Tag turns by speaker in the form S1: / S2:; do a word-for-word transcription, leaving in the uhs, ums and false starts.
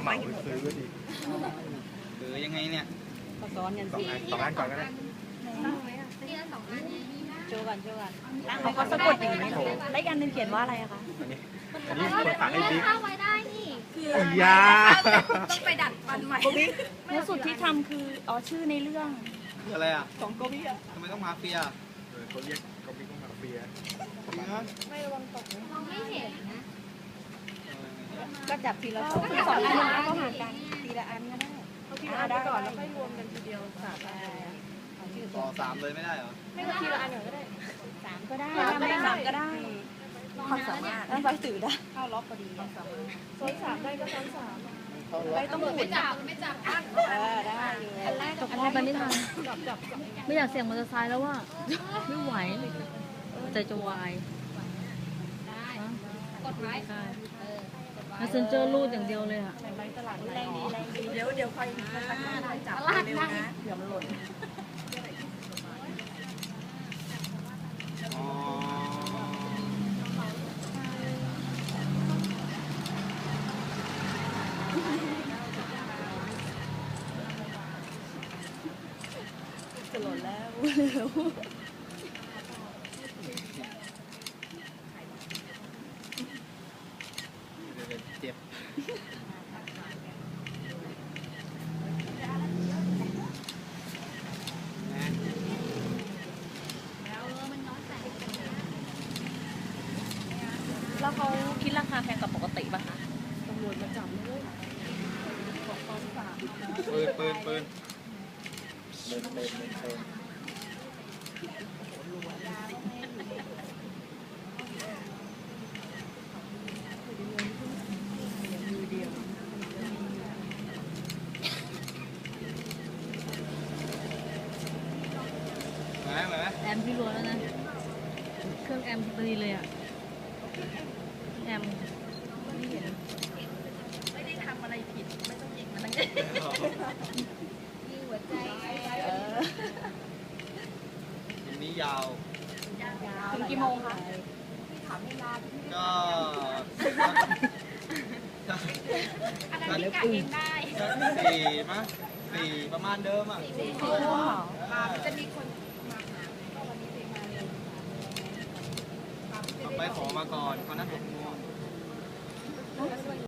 S1: เหมาซื้อดิ
S2: หรือยังไงเนี่ย
S3: ก็ซ้อนกันสิ
S1: สองอันก่อนก็ได้
S3: โชว์กันโชว์กันเขาก็สะกดอย่างนี้แล้วอีกอันหนึงเขียนว่าอะไรอะคะ
S1: อันนี้อันนี้คนฝากให้บิ๊ก
S4: ไว้ได้นี่คื
S1: อยา
S4: ต้องไปดัดฟันใหม่
S3: แล้วสุดที่ทำคืออ๋อชื่อในเรื่อง
S2: คืออะไรอ่ะ
S3: ของโกบิอะ
S2: ทำไมต้องมาเฟีย
S1: เขาเรียกเขาบิ๊กต้องมาเฟีย
S4: ไม่ระวังตกมองไม่เห็นนะ
S3: ก็จับทีละสองสองอันแล้วก็ห่างกันทีละอันก็ได้เอาทีละอันก่อนแล้วค่อยรวมกันทีเดียวสาม
S2: ต่อสามเลยไม่ได้เหรอ
S4: ไม่ก็ทีละอันก็ได้
S3: สามก็ได้ไม่สามก็ได้ความสามารถต้องไปสื่อได้เข้าล็อกพอดีความสามารถ
S4: ซ้อนสามได้ก็ซ้อนสาม
S3: ไม่ต้องหมุน
S4: ไม่จับไม่จับอัน
S3: เออได้
S4: อันแรก
S5: ตกรอบไปไม่ทัน
S4: จับจับ
S5: ไม่อยากเสี่ยงมอเตอร์ไซค์แล้วว่าไม่ไหวใจจะวาย
S4: ได้กดไว้
S5: ใช่มาเซนเจอร์รูดอย่างเดียวเลยอ่ะ
S3: แรงดีแรงดีเดี๋ยวเดี๋ยวค่อยจับเร็วนะเดี๋ยวมันหล่นจะหล่นแล้วเร็ว
S2: เจ็บ
S5: แล้วเขาคิดราคาแพงกว่าปกติป่ะคะ
S3: ตำรวจมาจับเลยบอกตอนสาม
S2: ปืนปืนปืน
S1: เดินเดินเดินเดิน
S5: แอมพี่รัวแล้วนะเครื่องแอมพอดีเลยอ่ะแอม
S3: ไม่เห็นไม่ได้ทำอะไรผิดไม่ต้องยิงมันนั่ง
S4: มีหัวใจ
S2: ทีนี้ยาว
S3: ถึงกี่โมงคะ
S2: ก็
S4: อันนั้นพี่กะเองได้
S2: สี่มั้งสี่ประมาณเดิมอ่ะ
S4: จะมีคน
S2: ไปขอมาก่อนเขานัดหกโมง